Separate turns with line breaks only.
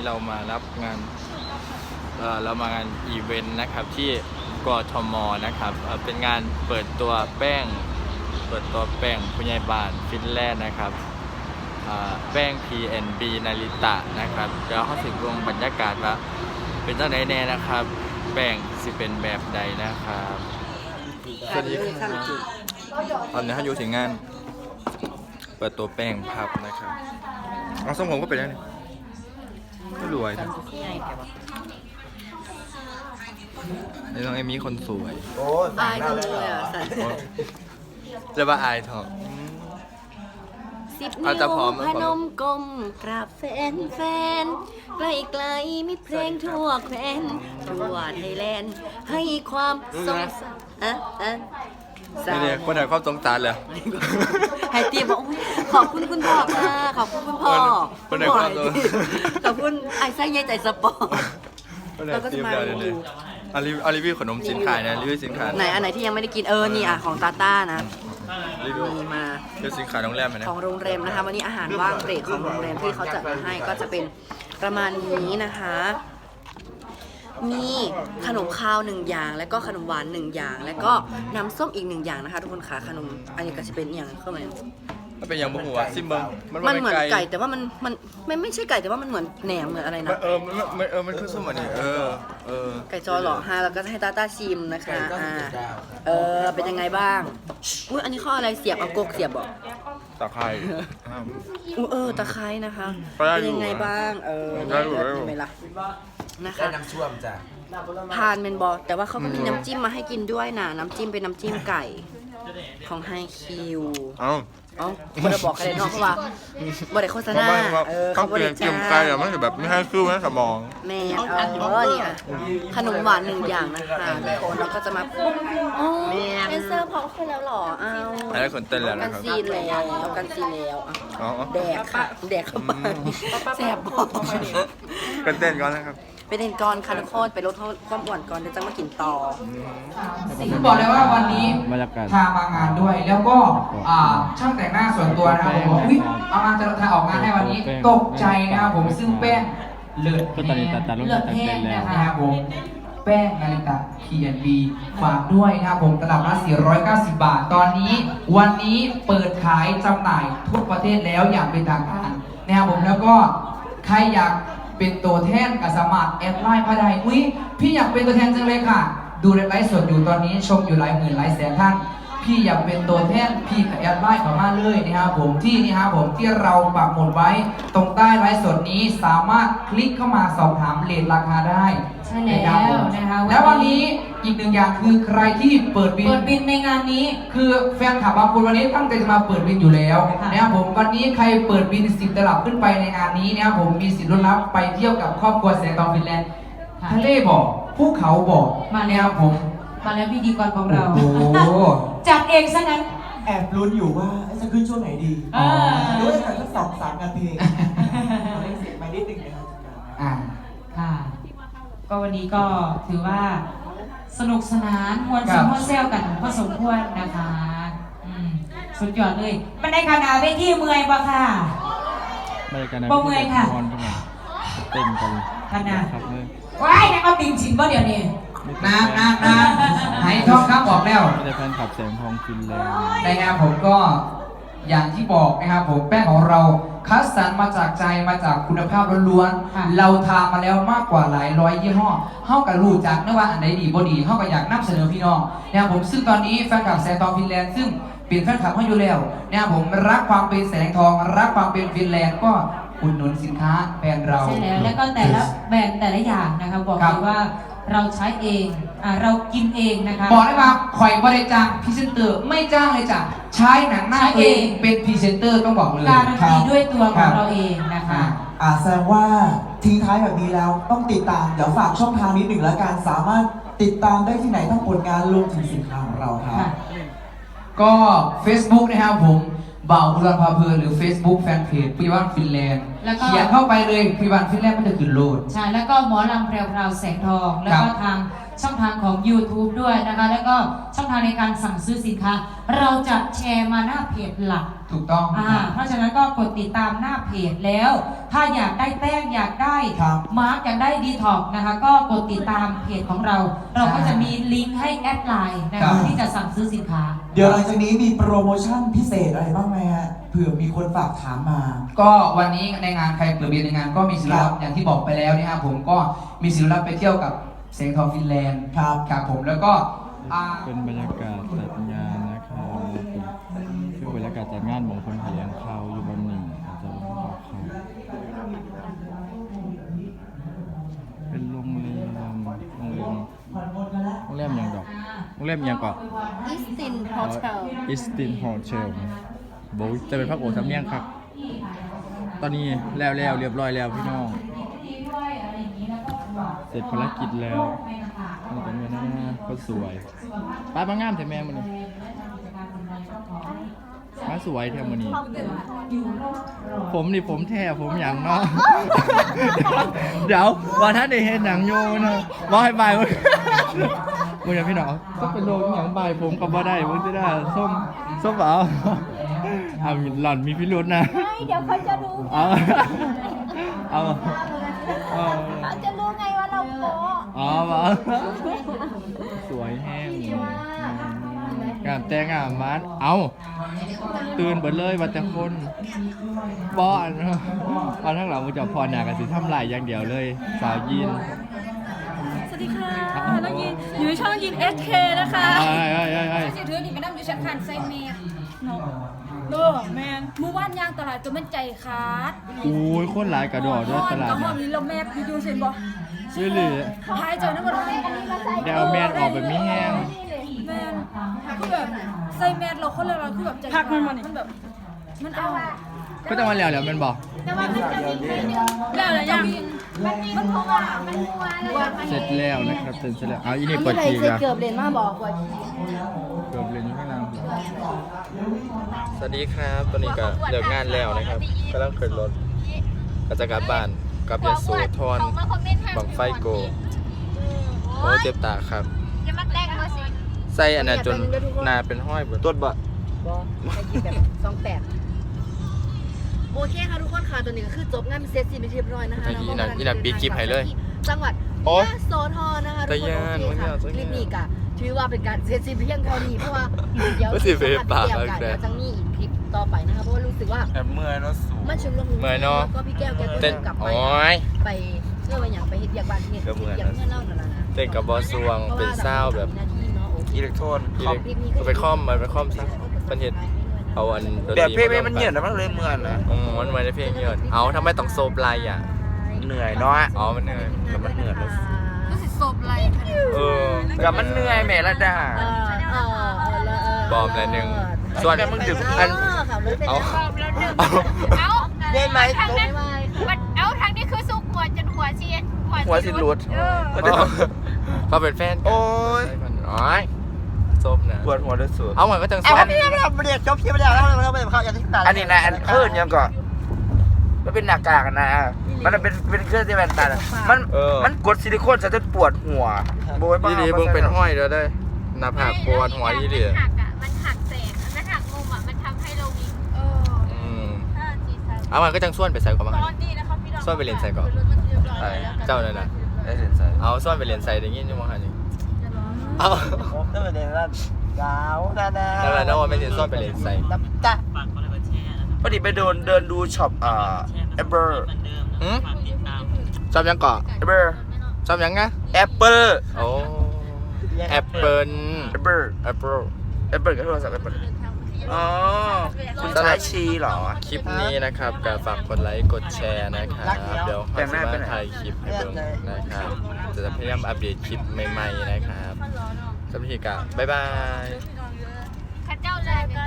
เรามารับงานเรามางานอีเวนต์นะครับที่กทมนะครับเป็นงานเปิดตัวแป้งผู้ใหญ่บ้านฟินแลนด์นะครับแป้ง PNB นาริตะนะครับเดี๋ยวเขาถึงลงบรรยากาศว่าเป็นจังไดแน่นะครับแป้งสิเป็นแบบใดนะครับสวัสดีครับตอนนี้เขาอยู่ถึงงานเปิดตัวแป้งพับนะครับทรงผมก็เป็นยังไงก็รวยนะในน้องเอมี่คนสวย
โอ้
อายจังเลยอ่ะสัน
จะว่าอายเถอะ
10 นิ้วพนมกลมกราบแฟนไกลๆมีเพลงทั่วแคว้นทั่วไทยแลนด์ให้ความสงสาร
นี่คนไหนความสงสารเลย
ให้ตีบอกขอบคุณคุณพ่อค่ะขอบคุณคุณพ่อ
คนไหนความ
ขอบคุณไอ้ไส้ใหญ่ใจสปอร์ตเราก็จะมา
รีวิวขนมสินค้านะรีวิวสินค้า
ไหนอันไหนที่ยังไม่ได้กินนี่อ่ะของตาต้านะ
รีวิว
มา
รีวิวสินค้าโรงแรมนะ
ของโรงแรมนะคะวันนี้อาหารว่างเบรกของโรงแรมที่เขาจัดมาให้ก็จะเป็นประมาณนี้นะคะมีขนมข้าว1อย่างแล้วก็ขนมหวาน1อย่างแล้วก็น้ำส้มอีก1อย่างนะคะทุกคนค่ะขนมอันนี้ก็จะเป็นอย่างเข้ามา
มันเป็นอย่างบุหัวซิมเบิง
มันเหมือนไก่แต่ว่ามันไม่ใช่ไก่แต่ว่ามันเหมือนแหนมเหมือนอะไรนะ
มันคือส้มอันนี้
ไก่จอหรอฮะแล้วก็ให้ตาต้าชิมนะคะเป็นยังไงบ้างอุ้ยอันนี้ข้ออะไรเสียบเอากกเสียบบอก
ตะไคร้
ตะไคร้นะคะเป็นยังไงบ้าง
ได้
ไหมล่ะนะคะ
น้ำช่วมจ้ะ
ทานเมนบอแต่ว่าเขาก็มีน้ำจิ้มมาให้กินด้วยนะน้ำจิ้มเป็นน้ำจิ้มไก่ของไฮคิวไม่ได้บอกใครเลยเนาะเพราะว่าบริโภคโฆษณา
เขาบริจาคไก่อะมันแบบไม่ให้คิวไม่สมอง
แม่เนี่ยขนมหวาน1อย่างนะคะแล้วก็จะมาเป็นเซอร์พร้อมขึ้นแล้วหรอ
แล้วคนเต้นแล้ว
นะครับกันซีแล้วแดกค่ะแดกเข้าไปแสบบอก
กันเต้นก่อนนะครับ
ไปเต้นก่อนค่ะทุกคนไปลดความอ้วนก่อนเดี๋ยวจะมากินต่อ
บอกเลยว่าวันนี้พามางานด้วยแล้วก็ช่างแต่งหน้าส่วนตัวนะครับผมบอกเอามาจะออกงานให้วันนี้ตกใจนะครับผมซึ่งแป้งเลือดแห้งนะครับผมแป้งนาริตะ PNB ฝากด้วยนะครับผมตลับละ490 บาทตอนนี้วันนี้เปิดขายจำหน่ายทั่วประเทศแล้วอย่างเป็นทางการนะครับผมแล้วก็ใครอยากเป็นตัวแทนกับสมัครแอดไลน์มาได้พี่อยากเป็นตัวแทนจังเลยค่ะดูในไลฟ์สดอยู่ตอนนี้ชมอยู่หลายหมื่นหลายแสนท่านพี่อยากเป็นตัวแทนพี่กับแอดไลน์เข้ามาเลยนะครับผมที่นี่ครับผมที่เราปักหมุดไว้ตรงใต้ไลฟ์สดนี้สามารถคลิกเข้ามาสอบถามเรทราคาได้
ใช่แล้วนะคะ
แล้ววันนี้อีก1อย่างคือใครที่เปิด
บินในงานนี้
คือแฟนคลับบางคนวันนี้ตั้งใจจะมาเปิดบินอยู่แล้วนะครับผมวันนี้ใครเปิดบิน10 ตลับขึ้นไปในงานนี้นะครับผมมีสิทธิ์ลุ้นรับไปเที่ยวกับครอบครัวแสงทองฟินแลนด์ทะเลบอกภูเขาบอก
มาแล้ว
ผม
มาแล้วพิธีกรของเราจัดเองซะงั้น
แอบลุ้นอยู่ว่าจะขึ้นช่วงไหนดีด้วยกันสัก2-3 นาทีเสียงไปนิดนึงนะครับ
ค่ะก็วันนี้ก็ถือว่าสนุกสนานมวลซึ้งมวลแซวกันพอสมควรนะคะสุดยอดเลยมันได้ขนาดเวทีเมื่อยปะค่ะบ่เมื่อยค่ะ
เต้นกัน
ขนาดว้ายนักเอาติ่งฉินบ่เดี๋ยวนี้
น้หายท้องครับบอกแล้ว
ไม่ได้แฟนขับแสงทองฟินแล้ว
นะครับผมก็อย่างที่บอกนะครับผมแป้งของเราคัดสรรมาจากใจมาจากคุณภาพล้วนๆเราทำมาแล้วมากกว่าหลายร้อยยี่ห้อเข้ากับรู้จักนะว่าอันไหนดีบ่ดีเข้ากับอยากนำเสนอพี่น้องนะครับผมซึ่งตอนนี้แฟนคลับแสงทองฟินแลนด์ซึ่งเป็นแฟนคลับเขาอยู่แล้วนะครับผมรักความเป็นแสงทองรักความเป็นฟินแลนด์ก็อุดหนุนสินค้าแบรนด์เรา
ใช่แล้วก็แต่ละแบรนด์แต่ละอย่างนะคะบอกเลยว่าเราใช้เองเรากินเองนะคะ
บอกได้ว่าข่อยบริจาคพรีเซนเตอร์ไม่จ้างเลยจ้ะใช้หนังหน้าเองเป็นพรีเซนเตอร์ต้องบอกเลย
การันตีด้วยตัวของเราเองนะคะ
แสดงว่าทิ้งท้ายแบบนี้แล้วต้องติดตามเดี๋ยวฝากช่องทางนิดหนึ่งแล้วกันสามารถติดตามได้ที่ไหนทั้งผลงานรวมถึงสินค้าของเราครับ
ก็ Facebook นะครับผมบ่าวบุรพาเพลินหรือ Facebook แฟนเพจพิวันฟินแลนด์เขียนเข้าไปเลยพิวันฟินแลนด์มันจะขึ้นโหลด
ใช่แล้วก็หมอลำแพรวแสงทองแล้วก็ทางช่องทางของ YouTube ด้วยนะคะ แล้วก็ช่องทางในการสั่งซื้อสินค้า เราจะแชร์มาหน้าเพจหลัก
ถูกต้อง
เพราะฉะนั้นก็กดติดตามหน้าเพจแล้ว ถ้าอยากได้แป้งอยากได้
ครับ
มาร์กอยากได้ดีท็อกนะคะ ก็กดติดตามเพจของเรา เราก็จะมีลิงก์ให้แอดไลน์นะ
ครั
คะ
บ
ที่จะสั่งซื้อสินค้า
เดี๋ยวหลังจากนี้มีโปรโมชั่นพิเศษอะไรบ้างไหมฮะเผื่อมีคนฝากถามมา
ก็วันนี้ในงานใครเปิดเบียร์ในงานก็มีศิล
ครั
ปะ
บ
อย่างที่บอกไปแล้วนะครับผมก็มีศิลปะไปเที่ยวกับเสียงทองฟินแลนด์
ครับ
ครับผมแล้วก็
เป็นบรรยากาศจัดงานนะครับคือบรรยากาศจัดงานของคนเลี้ยงเขาอยู่บนหนึ่งอาจจะบอกเขาเป็นโรงแรมอย่างดอกโรงแรมอย่างก่อน
อิสตินโฮเทล
อิสตินโฮเทลโบจะเป็นพักโอสำเนียงครับ ตอนนี้แล้วเรียบร้อยแล้วพี่น้อง เสร็จภารกิจแล้วนี่เป็นเงินหน้าก็สวยป้ามางามแต่แม่มันนี่มาสวยแถวมันนี่ผมนี่ผมแท้ผมอย่างเนาะ เดี๋ยวว่าท่านได้เห็นหนังโยนะว่าให้บายมึงมึงอย่าพี่น้องก็เป็นโลกอย่างบายผมก็บ่ได้มึงจะได้ส้มเปล่าเอาหล่อนมีพิรุธนะ
เดี๋ยวเขาจะรู้
เอาเอา
เขาจะรู้ไงว่าเราโป๊ะ
อ๋อมาสวยแห้งงามแต่งามมันเอาตื่นเบิดเลยว่าแต่คนป้อนเอาทั้งหลังมึงจะพอหนากันสิทำลายอย่างเดียวเลย สาวยิน
สวัสดีค่ะน้องยินอยู่ในช่องยิน SK นะคะ
ไอ้
สิถือนี่ไปนั่งอยู่ชั้นคันไซเมย์เนาะแมนมือว่านยางตลาดจนมันใจขาด
โอ้ยคนหลายกระโดดด้วยตลาด
กระห
เนี่
อย มนี้เราแมพอยู่เห็นบ่
ชื่อหรือ
หายใจนะมันอันนี้มาใส่
เดี๋ยวแมนออกแบบไม่แห้ง
แมนคือแบบใส่แมสเราคนละเราคือแบบใจพักมันแบบมันเอา
ก็จะมาแล้วมันบอก
แต่ว่ามันจะมีแล้วอะไรยังมันเพราะว่ามันมัวเลย
เสร็จแล้วนะครับเสร็จแล้วเอาอีนี่เปิดทีนะ
เกือบเลนมาบอกว่า
เกือบเลยนี่ข้างล่างสวัสดีครับตอนนี้ก็เลิกงานแล้วนะครับกำลังขึ้นรถก็จะกลับบ้านกลับยโสธรบังไฟโกโอ้เจ็บตาครับ
อย่ามาแกล้งเขาสิ
ใส่อันนั้นจนหนาเป็นห้อยเบิดตัวบะ
ไอ้กินแบบ28โอเคค่ะทุกคนค่ะตอนนี้ก็คือจบงานเซตซีนไปเรียบร้อยนะคะ
ไอ้อีนั่นปิดคลิปให้เลย
จังหวัด
โอ้
ยโสธรนะคะทุก
แต่
คน
ย่าน
โอเคค่ะ
มัน
ค
ยาก
ลิปนี้ก็ถือว่าเป็นการเซตซีนเพียงเท่านี้เพราะว่าเดี๋ยว
ก็สิไปปาก
เดี๋ยว
เอาแต่
จะมีอีกคลิปต่อไปนะคะเพราะว่ารู้สึกว่า
แอบเมื่อยเนาะสู
มันชุนลง
เมื่อยเนาะ
ก็พี่แก้วแกก็
เต้น
กลับไป
โอ้ย
ไปเพื่อไปอย่างไปเฮ็ดเบียกบ้านเฮ็ด
ก็เมื่อย
เบียกเพื่อนเล่านั่นแหละนะ
เต้นกับบอสวงเป็นเศร้าแบบ
อิเล็กโทรน
ก็ไปคอมมันไปคอมซะมันเห็นเอาอันดนตรี
แบบเพลงมันเหนื่อยนะมันเลยเมื่อยนะ
มันเหมือนในเพลงเยอะเอาทำไมต้องโซบไลอ่ะ
เหนื่อยเนาะ
อ๋อมันเหนื่อย
กับมันเหนื่อยแล้ว
รู้สึกโซบไร
เออ
กับมันเหนื่อยแม่ละด่า
บอมละหนึ่งส่วน
แต่มึงดึก
อัน
ขับรถเป็น
เอา
เอา
ได้ไหม
ทางนั้นเอาทางนี้คือสู้หัวจนหัวเชียน
หัวสิหลุด
เขาเป็นแฟนกัน
โอ้ย
อ๋อโซบนะ
ปวดหัวด้วยสุด
เอาเหมือนก็จัง
เอา
โซบ
ไม่ได้ไม่ได้จบคลิปไม่ได้แล้วไม่ได้เข้าอย่างที่ตัดอันนี้นะอันเคลื่อนยังก่อนมันเป็นหน้ากากนะมันเป็นเครื่องที่แว่นตามันกดซิลิโคนจะปวดหัวโบยบ้า
ยี่ดีมึงเป็นห้อยแล้วได้หน้าผากปวดหัวยี่ดี
มันหักอ่ะมันหักแสงมันหักมุมอ่ะมันทำให้เรามี
เอามันก็จังส่วนไปใส่ก่อนมา
ตอนนี้นะครับพี่น้อง
ส่วนไปเรียนใส่ก่อนเจ้าเลยนะ
ได้เห็นใส่
เอาส่วนไปเรียนใส่อย่างงี้จังมั้งฮะนี่เอา
ได้ประเด็นแล้วกาวดา
แล้วอะไรนะว่าไม่เรียนส่วนไปเรียนใส่
น้ำตาพอดีไปเดินดูช็อปแอปเปิล
ชอบยังเกาะ
แอปเปิล
ชอบยังไง
แอปเปิล
โอ้แอปเปิล
แอปเปิล
แอปเปิล
แอปเปิลก็โทรศัพท์แอปเปิลอ๋อคุณใช้ชีเหรอ
คลิปนี้นะครับก็ฝากกดไลค์กดแชร์นะครับเดี๋ยวขอสมาถ่ายคลิปให้เบิ่งนะครับจะพยายามอัปเดตคลิปใหม่ๆนะครับสวัสดีครับบ๊ายบาย
ข้าเจ้าแรก